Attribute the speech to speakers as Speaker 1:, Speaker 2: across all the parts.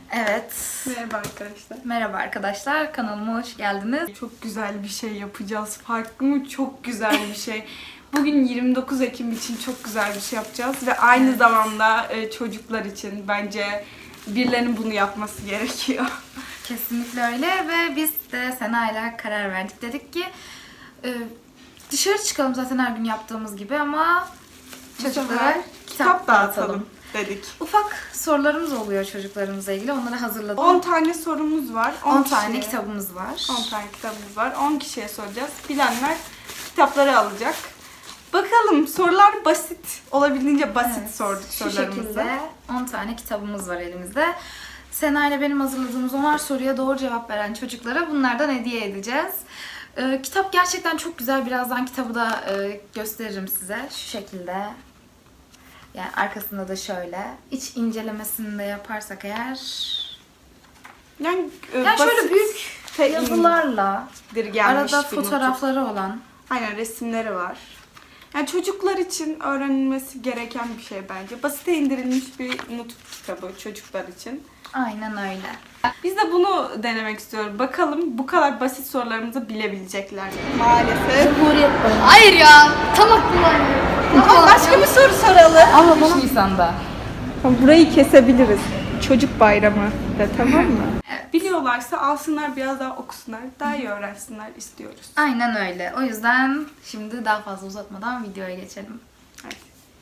Speaker 1: Evet.
Speaker 2: Merhaba arkadaşlar.
Speaker 1: Merhaba arkadaşlar. Kanalıma hoş geldiniz.
Speaker 2: Çok güzel bir şey yapacağız. Farklı mı? Çok güzel bir şey. Bugün 29 Ekim için çok güzel bir şey yapacağız. Ve aynı zamanda çocuklar için bence birilerinin bunu yapması gerekiyor.
Speaker 1: Kesinlikle öyle ve biz de Sena ile karar verdik. Dedik ki dışarı çıkalım zaten her gün yaptığımız gibi ama çocuklara kitap dağıtalım
Speaker 2: dedik.
Speaker 1: Ufak sorularımız oluyor çocuklarımızla ilgili. Onları hazırladık.
Speaker 2: 10 tane sorumuz var.
Speaker 1: 10 tane kitabımız var.
Speaker 2: 10 tane kitabımız var. 10 kişiye soracağız. Bilenler kitapları alacak. Bakalım, sorular basit. Olabildiğince basit sorduk sorularımızı.
Speaker 1: Şu şekilde 10 tane kitabımız var elimizde. Sena ile benim hazırladığımız 10'ar soruya doğru cevap veren çocuklara bunlardan hediye edeceğiz. Kitap gerçekten çok güzel. Birazdan kitabı da gösteririm size. Şu şekilde. Yani arkasında da şöyle. İç incelemesini de yaparsak eğer...
Speaker 2: Yani
Speaker 1: şöyle büyük yazılarla, arada fotoğrafları olan.
Speaker 2: Aynen, resimleri var. Yani çocuklar için öğrenilmesi gereken bir şey bence. Basite indirilmiş bir not kitabı çocuklar için.
Speaker 1: Aynen öyle.
Speaker 2: Biz de bunu denemek istiyoruz. Bakalım bu kadar basit sorularımızı bilebilecekler mi? Maalesef.
Speaker 1: Cumhuriyet Bayramı.
Speaker 3: Hayır ya, tam aklıma.
Speaker 2: Ama başka bir soru soralım.
Speaker 1: Ama 3 Nisan'da.
Speaker 2: Burayı kesebiliriz. Çocuk bayramı da, tamam mı? Evet. Biliyorlarsa alsınlar, biraz daha okusunlar, daha iyi öğrensinler istiyoruz.
Speaker 1: Aynen öyle. O yüzden şimdi daha fazla uzatmadan videoya geçelim.
Speaker 2: Evet.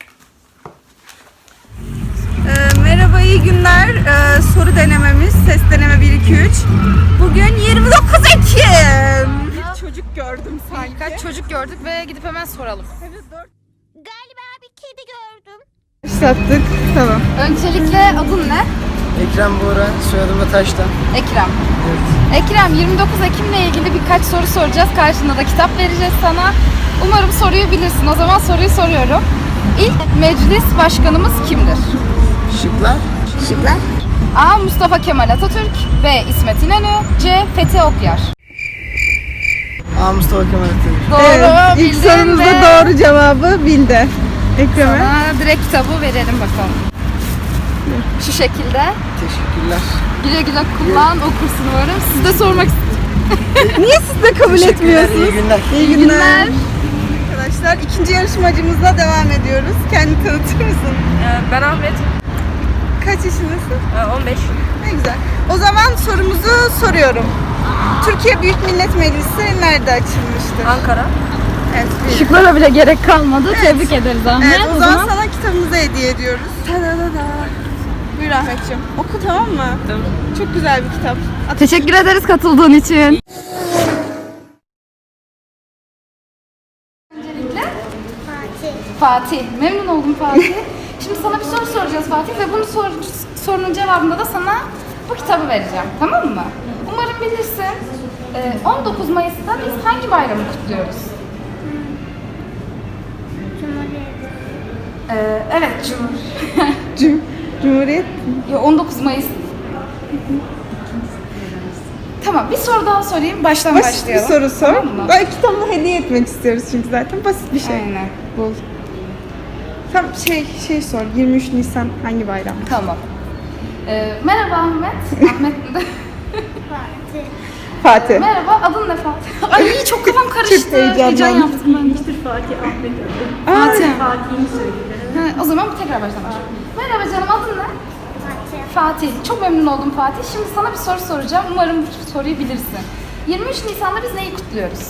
Speaker 2: Merhaba, iyi günler. Soru denememiz, ses deneme 1-2-3. Bugün 29 Ekim. Bir çocuk gördüm sanki.
Speaker 1: Birkaç çocuk gördük ve gidip hemen soralım.
Speaker 3: Galiba bir kedi gördüm.
Speaker 2: Başlattık, tamam.
Speaker 1: Öncelikle adın ne?
Speaker 4: Ekrem Bora, soyadım da Taş'tan.
Speaker 1: Ekrem. Ekrem, 29 Ekim'le ilgili birkaç soru soracağız. Karşında da kitap vereceğiz sana. Umarım soruyu bilirsin. O zaman soruyu soruyorum. İlk meclis başkanımız kimdir?
Speaker 4: Şıklar.
Speaker 1: A. Mustafa Kemal Atatürk. B. İsmet İnönü. C. Fethi Okyar.
Speaker 4: A. Mustafa Kemal Atatürk.
Speaker 1: Doğru,
Speaker 2: İlk
Speaker 1: bildin
Speaker 2: sorumuzda
Speaker 1: ve
Speaker 2: doğru cevabı bildi. Ekrem'e.
Speaker 1: sana direkt kitabı verelim bakalım. Şu şekilde.
Speaker 4: Teşekkürler.
Speaker 1: Güle güle kullan, okursun umarım. Siz de sormak
Speaker 2: Niye siz de kabul
Speaker 4: Teşekkürler,
Speaker 2: etmiyorsunuz?
Speaker 4: iyi günler.
Speaker 2: İyi günler. Arkadaşlar, ikinci yarışmacımızla devam ediyoruz. Kendini tanıtır mısın?
Speaker 5: Ben Ahmet,
Speaker 2: Kaç yaşındasın?
Speaker 5: 15.
Speaker 2: Ne güzel. O zaman sorumuzu soruyorum. Türkiye Büyük Millet Meclisi nerede açılmıştır?
Speaker 5: Ankara.
Speaker 2: Evet, bir.
Speaker 1: Şıklara bile gerek kalmadı. Tebrik ederiz Ahmet.
Speaker 2: Evet, o zaman sana kitabımızı hediye ediyoruz. Ta-da-da-da. Buyur Ahmetciğim. Oku, tamam mı?
Speaker 5: Tamam.
Speaker 2: Çok güzel bir kitap.
Speaker 1: Teşekkür ederiz katıldığın için. Fatih. Memnun oldum Fatih. Şimdi sana bir soru soracağız Fatih ve bunun sorunun cevabında da sana bu kitabı vereceğim. Tamam mı? Umarım bilirsin. 19 Mayıs'ta biz hangi bayramı kutluyoruz? Evet,
Speaker 2: Cumhuriyet.
Speaker 1: 19 Mayıs. Tamam, bir soru daha sorayım. Baştan
Speaker 2: Basit bir
Speaker 1: başlayalım.
Speaker 2: soru sor.
Speaker 1: Tamam mı?
Speaker 2: Ben kitabını hediye etmek istiyoruz çünkü zaten basit bir şey.
Speaker 1: Aynen.
Speaker 2: Bul. Tam şey sor. 23 Nisan hangi bayram?
Speaker 1: Tamam. Merhaba Ahmet. Ahmet
Speaker 2: Fatih.
Speaker 1: Merhaba, adın ne Fatih? Ay çok kafam karıştı.
Speaker 2: Çok heyecanlandım.
Speaker 1: Heyecan yaptım ben.
Speaker 5: Fatih, Ahmet.
Speaker 1: Fatih.
Speaker 5: Fatih'ini söyledi.
Speaker 1: O zaman tekrar baştan başlayalım. Merhaba canım, adın ne? Fatih. Çok memnun oldum Fatih. Şimdi sana bir soru soracağım. Umarım bu soruyu bilirsin. 23 Nisan'da biz neyi kutluyoruz?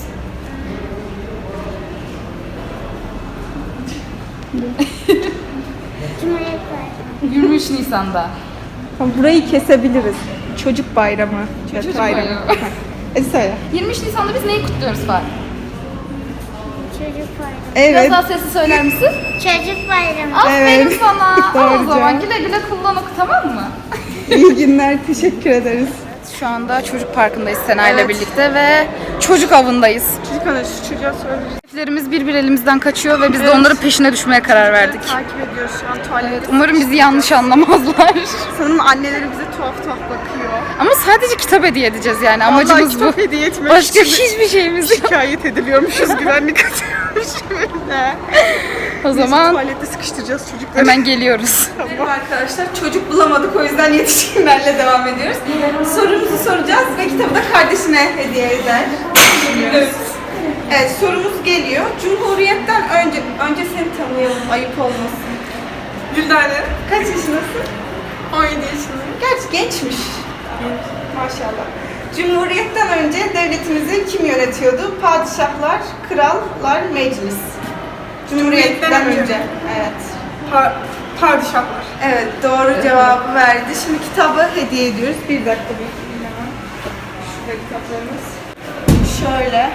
Speaker 3: Cumhuriyet Bayramı.
Speaker 1: 23 Nisan'da.
Speaker 2: Tamam, burayı kesebiliriz. Çocuk bayramı.
Speaker 1: Çocuk
Speaker 2: bayramı.
Speaker 1: bayramı.
Speaker 2: Hadi söyle.
Speaker 1: 23 Nisan'da biz neyi kutluyoruz Fatih?
Speaker 3: Çocuk Bayramı.
Speaker 2: Evet.
Speaker 1: Biraz daha sesli söyler misin?
Speaker 3: Çocuk Bayramı.
Speaker 1: Aferin
Speaker 2: Evet.
Speaker 1: sana. Al
Speaker 2: Doğru
Speaker 1: o zaman
Speaker 2: cevap.
Speaker 1: güle güle kullan oku, tamam mı?
Speaker 2: İyi günler. Teşekkür ederiz.
Speaker 1: Şu anda çocuk parkındayız Sena ile
Speaker 2: Evet.
Speaker 1: birlikte ve çocuk avındayız.
Speaker 2: Çocuk ana, şu çocuğa söyle.
Speaker 1: Lerimiz bir elimizden kaçıyor ve biz de onların peşine düşmeye karar verdik.
Speaker 2: Takip ediyoruz şu an tuvalette.
Speaker 1: Umarım bizi yanlış anlamazlar.
Speaker 2: Sanırım anneleri bize tuhaf bakıyor.
Speaker 1: Ama sadece kitap hediye edeceğiz yani. Amacımız
Speaker 2: Vallahi kitap
Speaker 1: bu.
Speaker 2: hediye etmek
Speaker 1: Başka
Speaker 2: için
Speaker 1: hiçbir şeyimiz yok.
Speaker 2: şikayet ediliyormuşuz, güvenlik atıyormuş böyle.
Speaker 1: O zaman
Speaker 2: Tuvalette sıkıştıracağız çocukları.
Speaker 1: hemen geliyoruz.
Speaker 2: Merhaba arkadaşlar, çocuk bulamadık o yüzden yetişkinlerle devam ediyoruz. Sorumuzu soracağız ve kitabı da kardeşine hediye eder. Evet. Evet, sorumuz geliyor. Cumhuriyet'ten önce seni tanıyalım, ayıp olmasın. Güldane. Kaç yaşındasın? 17 yaşındayım. Gerçi gençmiş. Maşallah. Cumhuriyet'ten önce devletimizi kim yönetiyordu? Padişahlar, krallar, meclis. Cumhuriyet'ten önce. Evet. Padişahlar. Evet, doğru cevabı verdi. Şimdi kitabı hediye ediyoruz. Bir dakika bekleyin hemen. Şurada kitaplarımız. Şöyle.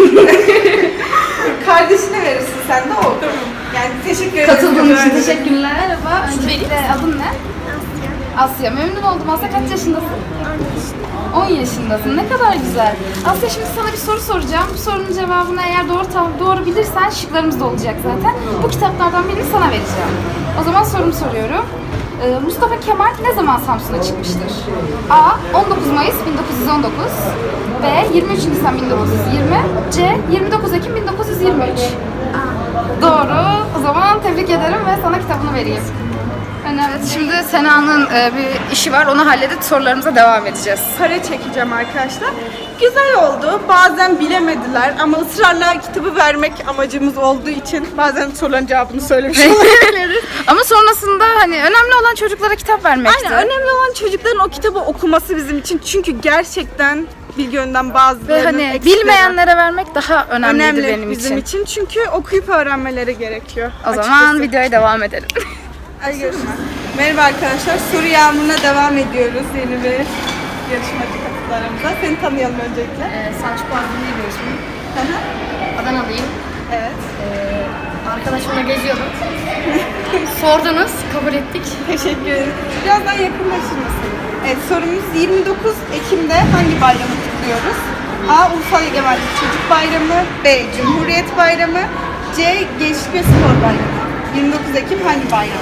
Speaker 2: Kardeşine verirsin sen de o. Yani teşekkür ederim.
Speaker 1: Katıldığın için teşekkürler. Merhaba. Öncelikle adın ne? Asya. Memnun oldum. Asya kaç yaşındasın? 10 yaşındasın. Ne kadar güzel. Asya şimdi sana bir soru soracağım. Bu sorunun cevabını eğer doğru bilirsen şıklarımız da olacak zaten. Bu kitaplardan birini sana vereceğim. O zaman sorumu soruyorum. Mustafa Kemal ne zaman Samsun'a çıkmıştır? A. 19 Mayıs 1919 B. 23 Nisan 1920 C. 29 Ekim 1923 Doğru. O zaman tebrik ederim ve sana kitabını vereyim. Evet, şimdi Sena'nın bir işi var. Onu halledip sorularımıza devam edeceğiz.
Speaker 2: Para çekeceğim arkadaşlar. Güzel oldu. Bazen bilemediler ama ısrarla kitabı vermek amacımız olduğu için bazen soruların cevabını söylemiş olabiliriz.
Speaker 1: Ama sonrasında hani önemli olan çocuklara kitap vermekti.
Speaker 2: Aynen, önemli olan çocukların o kitabı okuması bizim için. Çünkü gerçekten bilgi yönden bazılarının
Speaker 1: Ve hani
Speaker 2: eksikleri
Speaker 1: bilmeyenlere vermek daha önemliydi
Speaker 2: önemli
Speaker 1: benim
Speaker 2: bizim için. Çünkü okuyup öğrenmeleri gerekiyor.
Speaker 1: O zaman videoya devam edelim.
Speaker 2: Hadi görüşürüz. Merhaba arkadaşlar, soru yağmuruna devam ediyoruz yeni bir yarışmacı katılarımıza. Seni tanıyalım öncelikle.
Speaker 6: Selçuk Ardın diye bir ismim.
Speaker 2: Hı hı.
Speaker 6: Adanalıyım.
Speaker 2: Evet.
Speaker 6: Arkadaşımla geziyordum. Sordunuz, kabul ettik.
Speaker 2: Teşekkür ederim. Birazdan yakınlaşır mısın? Evet, sorumuz 29 Ekim'de hangi bayramı kutluyoruz? A. Ulusal Egemenlik Çocuk Bayramı. B. Cumhuriyet Bayramı. C. Gençlik ve Spor Bayramı. 29 Ekim hangi bayram?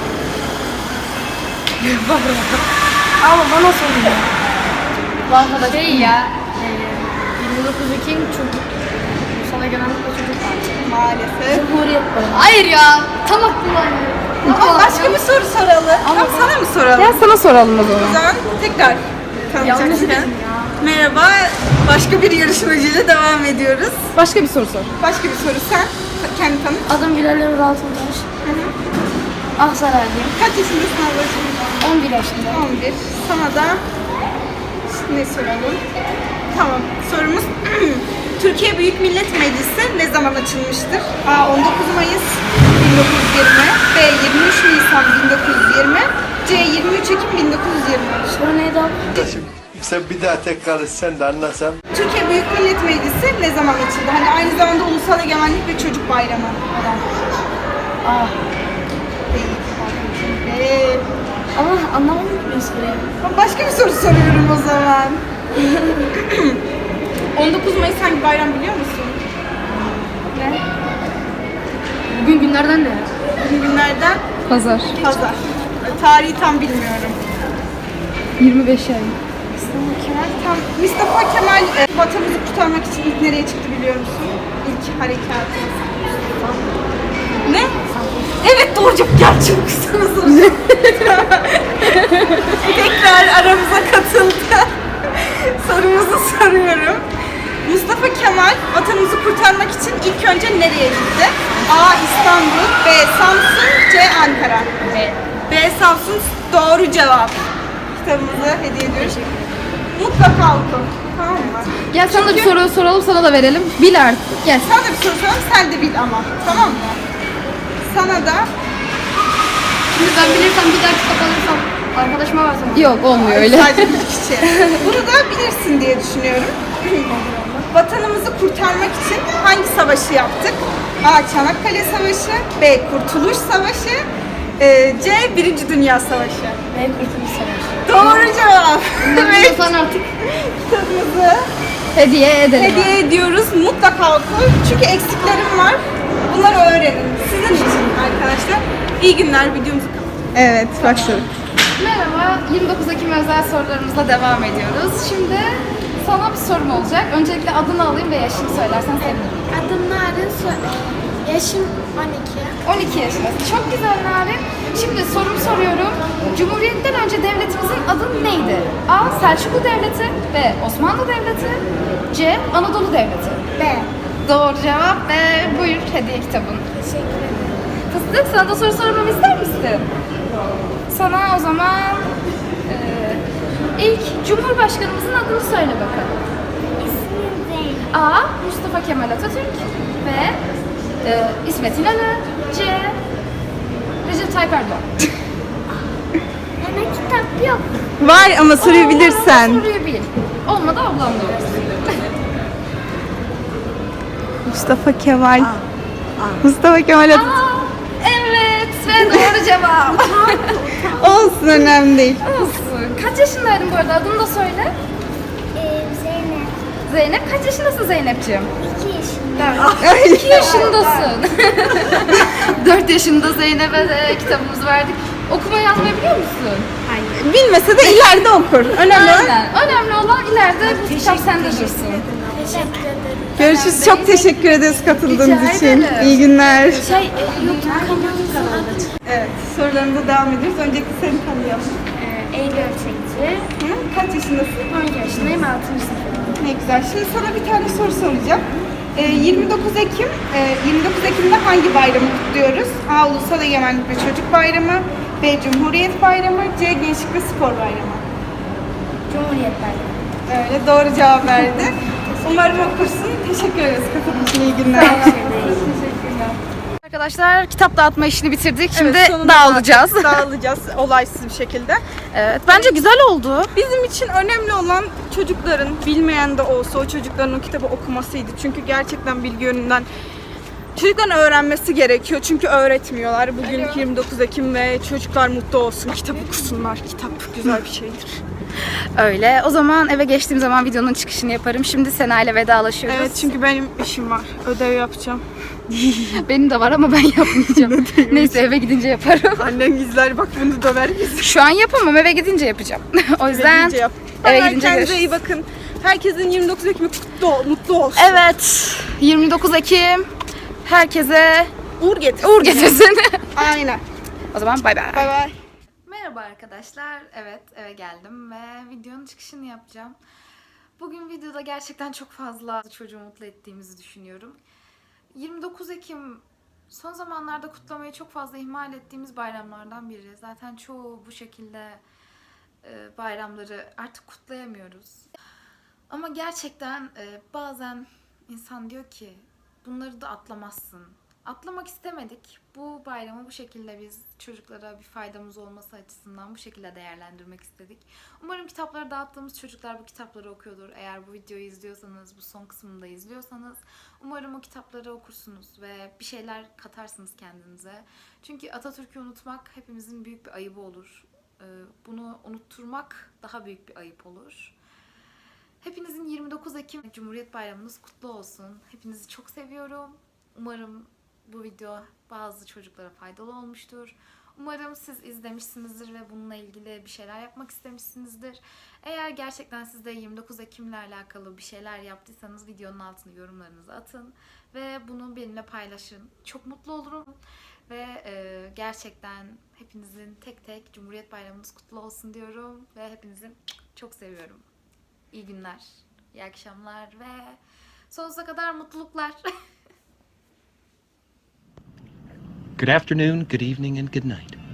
Speaker 6: Ama bana sorun. Bankada değil ya. 29 Ekim çocuk. Ulusal Egemenlik ve Çocuk Bayramı.
Speaker 2: Maalesef.
Speaker 6: Cumhuriyet Bayramı. Hayır ya. Tam aklıma
Speaker 2: Ama başka bir soru soralım. Tamam, sana mı soralım?
Speaker 1: Gel sana soralım o
Speaker 2: O
Speaker 1: zaman.
Speaker 2: zaman tekrar tanıyacaksın. Merhaba, başka bir yarışmacıyla devam ediyoruz.
Speaker 1: Başka bir soru sor.
Speaker 2: Başka bir soru sen, kendi tanıt.
Speaker 6: Adım Bilal Emre Altıntaş. Aksaraylıyım.
Speaker 2: Kaç yaşındasın ablacığım?
Speaker 6: 11 yaşında.
Speaker 2: 11. Sana da ne soralım? Tamam, sorumuz Türkiye Büyük Millet Meclisi ne zaman açılmıştır? A. 19 Mayıs 1920 B. 23 Nisan 1920 C. 23 Ekim 1920
Speaker 6: Soru neydi abi?
Speaker 7: Sen bir daha tekrar etsen de anlasam.
Speaker 2: Türkiye Büyük Millet Meclisi ne zaman açıldı? Hani aynı zamanda Ulusal Egemenlik ve Çocuk Bayramı olan.
Speaker 6: Aa.
Speaker 2: Ee,
Speaker 6: Ama anlamadım ki ben soruyu.
Speaker 2: Başka bir soru soruyorum o zaman. 19 Mayıs hangi bayram biliyor musun? Ne?
Speaker 6: Bugün günlerden ne?
Speaker 2: Bugün günlerden
Speaker 1: Pazar.
Speaker 2: pazar. Tarihi tam bilmiyorum.
Speaker 1: 25 ay.
Speaker 2: Mustafa Kemal vatanımızı kurtarmak için ilk nereye çıktı biliyor musun? İlk harekatı. Ne? Evet, doğru cevap. Gel çabuk sana soracağım. Tekrar aramıza katıldı. Sorumuzu soruyorum. Mustafa Kemal vatanımızı kurtarmak için ilk önce nereye gitti? A. İstanbul, B. Samsun, C. Ankara. B. Samsun doğru cevap. Kitabımızı hediye ediyoruz. Mutlaka oku. Tamam mı?
Speaker 1: Gel sana da bir soru soralım, sana da verelim. Bil artık. Gel.
Speaker 2: Sana da bir soru soralım, sen de bil ama. Tamam mı? Sana da
Speaker 6: Şimdi ben bilirsem bir daha kitap alırsam arkadaşıma versem.
Speaker 1: Yok, olmuyor öyle.
Speaker 2: sadece bir kişi. Bunu da bilirsin diye düşünüyorum. Vatanımızı kurtarmak için hangi savaşı yaptık? A. Çanakkale Savaşı, B. Kurtuluş Savaşı, C. Birinci Dünya Savaşı.
Speaker 6: Ne kurtuluş savaşı.
Speaker 2: Doğru cevap.
Speaker 6: Biliyorsan artık.
Speaker 2: Kitabımızı
Speaker 1: Hediye edelim.
Speaker 2: Hediye ediyoruz. Mutlaka koy. Çünkü eksiklerim var. Bunları öğrenin. Sizin için arkadaşlar. İyi günler. Videomuzu Evet, başladık.
Speaker 1: Merhaba, 29 Ekim özel sorularımızla devam ediyoruz. Şimdi sana bir sorum olacak. Öncelikle adını alayım ve yaşını söylersen sevinirim.
Speaker 3: Adım Narin. Yaşım 12.
Speaker 1: 12 yaşındasın. Çok güzel Narin. Şimdi sorumu soruyorum. Cumhuriyetten önce devletimizin adı neydi? A. Selçuklu Devleti. B. Osmanlı Devleti. C. Anadolu Devleti.
Speaker 3: B.
Speaker 1: Doğru cevap ve buyur hediye kitabın.
Speaker 3: Teşekkür ederim.
Speaker 1: Fıstık, sana da soru sormamı ister misin? Sana o zaman ilk Cumhurbaşkanımızın adını söyle bakalım.
Speaker 3: İsmim Zeynep.
Speaker 1: A. Mustafa Kemal Atatürk. B. İsmet İnönü. C. Recep Tayyip Erdoğan.
Speaker 3: Hemen kitap yok.
Speaker 2: Var ama soruyu bilirsen.
Speaker 1: Soruyu bil. Olmadı ablam da olur.
Speaker 2: Mustafa Kemal. Mustafa Kemal Atatürk.
Speaker 1: Evet ve doğru cevap.
Speaker 2: Olsun, önemli değil.
Speaker 1: Olsun. Kaç yaşındaydın bu arada? Adını da söyle.
Speaker 3: Zeynep.
Speaker 1: Zeynep. Kaç yaşındasın Zeynep'ciğim?
Speaker 3: 2 yaşında.
Speaker 1: 2 yaşındasın. 4 yaşında Zeynep'e de kitabımızı verdik. Okuma yazmayı biliyor musun?
Speaker 2: Bilmese de ileride okur. Önemli olan.
Speaker 1: Aynen. Önemli olan ileride bu kitap sende dursun.
Speaker 3: Teşekkür ederim.
Speaker 2: Görüşürüz. Çok teşekkür ederiz katıldığınız
Speaker 1: Rica
Speaker 2: için.
Speaker 1: ederim.
Speaker 2: İyi günler.
Speaker 3: YouTube kanalımızın adı
Speaker 2: Evet, sorularımıza devam ediyoruz. Öncelikle seni tanıyalım.
Speaker 3: Eylül Ölçekçi.
Speaker 2: Kaç yaşındasın?
Speaker 3: 12 yaşındayım, 6. sınıfım.
Speaker 2: Ne güzel. Şimdi sana bir tane soru soracağım. 29 Ekim'de hangi bayramı kutluyoruz? A. Ulusal Egemenlik ve Çocuk Bayramı. B. Cumhuriyet Bayramı. C. Gençlik ve Spor Bayramı.
Speaker 3: Cumhuriyet Bayramı.
Speaker 2: Öyle, doğru cevap verdi. Umarım okursun. Teşekkür ederiz katıldığın için. İyi günler.
Speaker 1: Arkadaşlar kitap dağıtma işini bitirdik. Şimdi
Speaker 2: Evet, sonunda
Speaker 1: dağılacağız.
Speaker 2: Dağılacağız olaysız bir şekilde.
Speaker 1: Evet, bence güzel oldu.
Speaker 2: Bizim için önemli olan çocukların, bilmeyen de olsa o çocukların o kitabı okumasıydı. Çünkü gerçekten bilgi yönünden çocukların öğrenmesi gerekiyor. Çünkü öğretmiyorlar. Bugün 29 Ekim ve çocuklar mutlu olsun. Kitap okusunlar. Kitap güzel bir şeydir.
Speaker 1: Öyle. O zaman eve geçtiğim zaman videonun çıkışını yaparım. Şimdi Sena ile vedalaşıyoruz.
Speaker 2: Evet, çünkü benim işim var. Ödev yapacağım.
Speaker 1: Benim de var ama ben yapmayacağım. Neyse eve gidince yaparım.
Speaker 2: Annem izler, bak bunu döver bizi.
Speaker 1: Şu an yapamam, eve gidince yapacağım. O yüzden
Speaker 2: Gidince yap.
Speaker 1: eve
Speaker 2: Bye,
Speaker 1: gidince
Speaker 2: kendinize
Speaker 1: görüşürüz.
Speaker 2: iyi bakın. Herkesin 29 Ekim'i mutlu olsun.
Speaker 1: Evet. 29 Ekim herkese
Speaker 2: Uğur getir.
Speaker 1: uğur getirsin.
Speaker 2: Aynen.
Speaker 1: O zaman bay bay.
Speaker 2: Bay bay.
Speaker 1: Merhaba arkadaşlar. Evet, eve geldim ve videonun çıkışını yapacağım. Bugün videoda gerçekten çok fazla çocuğu mutlu ettiğimizi düşünüyorum. 29 Ekim son zamanlarda kutlamayı çok fazla ihmal ettiğimiz bayramlardan biri. Zaten çoğu bu şekilde bayramları artık kutlayamıyoruz. Ama gerçekten bazen insan diyor ki bunları da atlamazsın. Atlamak istemedik. Bu bayramı bu şekilde biz çocuklara bir faydamız olması açısından bu şekilde değerlendirmek istedik. Umarım kitapları dağıttığımız çocuklar bu kitapları okuyordur. Eğer bu videoyu izliyorsanız, bu son kısmını da izliyorsanız umarım o kitapları okursunuz ve bir şeyler katarsınız kendinize. Çünkü Atatürk'ü unutmak hepimizin büyük bir ayıbı olur. Bunu unutturmak daha büyük bir ayıp olur. Hepinizin 29 Ekim Cumhuriyet Bayramınız kutlu olsun. Hepinizi çok seviyorum. Umarım bu video bazı çocuklara faydalı olmuştur. Umarım siz izlemişsinizdir ve bununla ilgili bir şeyler yapmak istemişsinizdir. Eğer gerçekten siz de 29 Ekim'le alakalı bir şeyler yaptıysanız videonun altına yorumlarınızı atın. Ve bunu benimle paylaşın. Çok mutlu olurum. Ve gerçekten hepinizin tek tek Cumhuriyet Bayramınız kutlu olsun diyorum. Ve hepinizi çok seviyorum. İyi günler, iyi akşamlar ve sonsuza kadar mutluluklar.
Speaker 8: Good afternoon, good evening, and good night.